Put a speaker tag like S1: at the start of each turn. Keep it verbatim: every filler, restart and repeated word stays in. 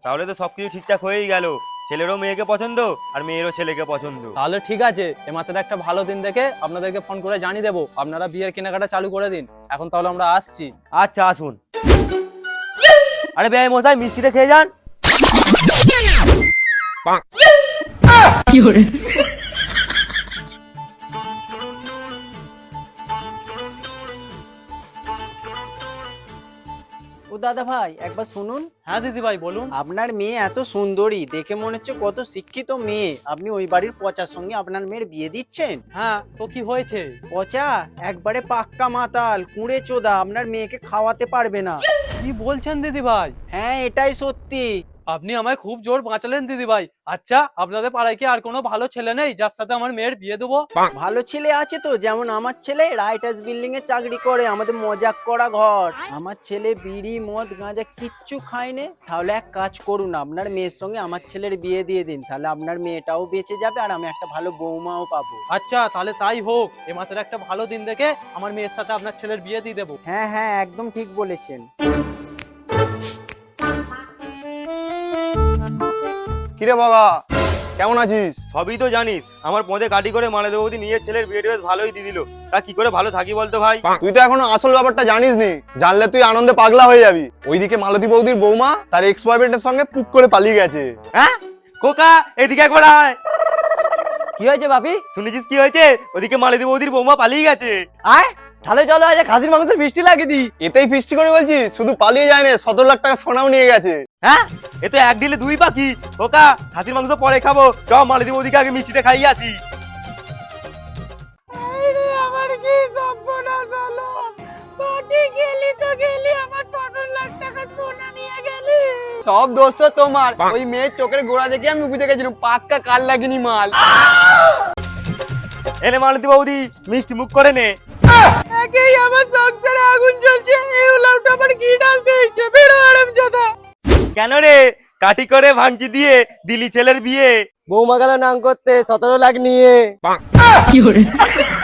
S1: তাহলে তো সবকিছু ঠিকঠাক হয়েই গেল। ছেলেরও মেয়েকে পছন্দ আর মেয়েরও ছেলেকে পছন্দ।
S2: তাহলে ঠিক আছে, এ মাসের একটা ভালো দিন দেখে আপনাদেরকে ফোন করে জানিয়ে দেবো, আপনারা বিয়ের কেনাকাটা চালু করে দিন। এখন তাহলে আমরা আসছি।
S1: আচ্ছা আসুন। আরে বেআই মশাই, মিষ্টিটা খেয়ে যান।
S3: ও দাদা ভাই একবার শুনুন।
S2: হ্যাঁ দিদি ভাই বলুন।
S3: আপনার মেয়ে এত সুন্দরী, দেখে মনে হচ্ছে কত শিক্ষিত মেয়ে। আপনি ওই বাড়ির পচার সঙ্গে আপনার মেয়ের বিয়ে দিচ্ছেন?
S2: হ্যাঁ তো কি হয়েছে?
S3: পচা একবারে পাক্কা মাতাল, কুঁড়ে চোদা, আপনার মেয়েকে খাওয়াতে পারবে না।
S2: কি বলছেন দিদি ভাই?
S3: হ্যাঁ এটাই সত্যি।
S2: আপনি আমায় খুব জোর বাঁচালেন দিদি ভাই। আচ্ছা, আপনাদের পাড়ায় কি আর কোনো ভালো ছেলে নেই যার সাথে আমার মেয়ের বিয়ে দেবো?
S3: ভালো ছেলে আছে তো, যেমন আমার ছেলে রাইটার্স বিল্ডিং এ চাকরি করে, আমাদের মজাক করা ঘর। আমার ছেলে বিড়ি মদ গাঁজা কিচ্ছু খায় না। তাহলে এক কাজ করুন, আপনার মেয়ের সঙ্গে আমার ছেলের বিয়ে দিয়ে দিন, তাহলে আপনার মেয়েটাও বেঁচে যাবে আর আমি একটা ভালো বৌমাও পাবো।
S2: আচ্ছা তাহলে তাই হোক, এ মাসের একটা ভালো দিন দেখে আমার মেয়ের সাথে আপনার ছেলের বিয়ে দিয়ে দেবো।
S3: হ্যাঁ হ্যাঁ একদম ঠিক বলেছেন।
S4: কিরে বাবা, কেমন আছিস?
S1: সবই তো জানিস, আমার পদে গাড়ি করে মানাতে বৌদি নিজের ছেলের বিয়েটা বেশ ভালোই দিয়ে দিল। তা কি করে ভালো থাকি বলতো ভাই?
S4: তুই তো এখনো আসল ব্যাপারটা জানিস নি। জানলে তুই আনন্দে পাগলা হয়ে যাবি। ওইদিকে মালতী বৌদির বৌমা তার এক্স বয়ফ্রেন্ডের সঙ্গে পুক করে পালিয়ে গেছে।
S1: হ্যাঁ কোকা, এদিকে একবার আয়।
S3: কি হয়েছে বাপি?
S1: শুনেছিস কি হয়েছে? ওদিকে মালতী বৌদির বৌমা পালিয়ে গেছে।
S3: আয় তাহলে চলো আজ খাসির মাংসের মিষ্টি লাগিয়ে দিই।
S4: এতেই ফিস্টি করে বলছি, শুধু পালিয়ে যায় না, সতেরো লাখ টাকা সোনাও নিয়ে গেছে।
S1: হ্যাঁ এ তো এক দিলে দুই পাখি। কোকা, খাসির মাংস পরে খাবো, চ মালতী বৌদিকে আগে মিষ্টিটা খাইয়ে আসি।
S3: আমার কি সর্বনাশ হলো! পার্টি গেলি তো গেলি, আমার সতেরো লাখ টাকা সোনা নিয়ে গেলি।
S4: সব দোষ তো তোমার। ওই মেয়ের চোখের গোড়া দেখে আমি বুঝে গেছিলাম পাক্কা কাল লাগেনি মাল।
S1: এনে মালতী বৌদি, মিষ্টি মুখ করে নে।
S3: একেই আমার সংসারে আগুন জ্বলছে, এই উলাউটা আমার কি ডালতে হয়েছে? বেরো আরামজাদা।
S1: কেন রে, কাটি করে ভাঙচি দিয়ে দিলি ছেলের বিয়ে?
S3: বৌমা গেল নাম করতে সতেরো লাখ নিয়ে।